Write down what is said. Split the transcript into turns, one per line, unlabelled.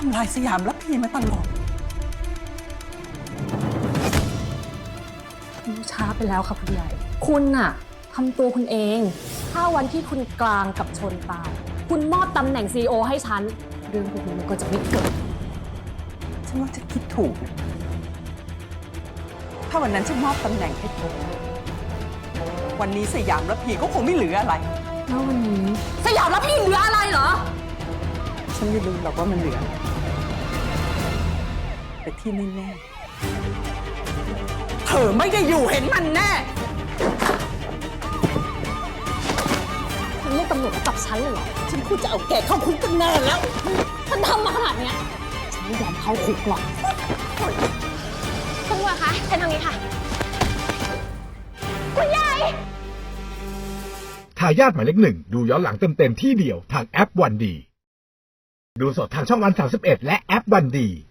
ำลายสยามและพี่มาตลอด
ช้าไปแล้วค่ะคุณใหญ่คุณน่ะทำตัวคุณเองถ้าวันที่คุณกลางกับชนตายคุณมอบตำแหน่ง CEO ให้ฉันเรื่องพวกนี้มันก็จะไม่เกิด
ฉันว่าจะคิดถูกนะถ้าวันนั้นฉันมอบตำแหน่งให้เธอวันนี้สยามและพี่ก็คงไม่เหลืออะไร
แล้ววันนี้สยามแล้วพี่เหลืออะไรเหรอ
ฉันไม่รู้หรอกว่ามันเหลือแต่ที่แน่ๆเธอไม่ได้อยู่เห็นมันแน่
คุณเรียกตำรวจมาจับฉันเลยเหรอ
ฉันควรจะเอาแกเข้าคุกตั้งนานแล้ว
ฉันทำมาขนาดเนี้ยฉันไม่ยอมเข้าคุกหรอกคุณตำรวจคะฉันทางนี้ค่ะคุณใหญ่
ทายาทหมายเลข 1ดูย้อนหลังเต็มๆที่เดียวทางแอปวันดีดูสดทางช่องวัน31และแอปวันดี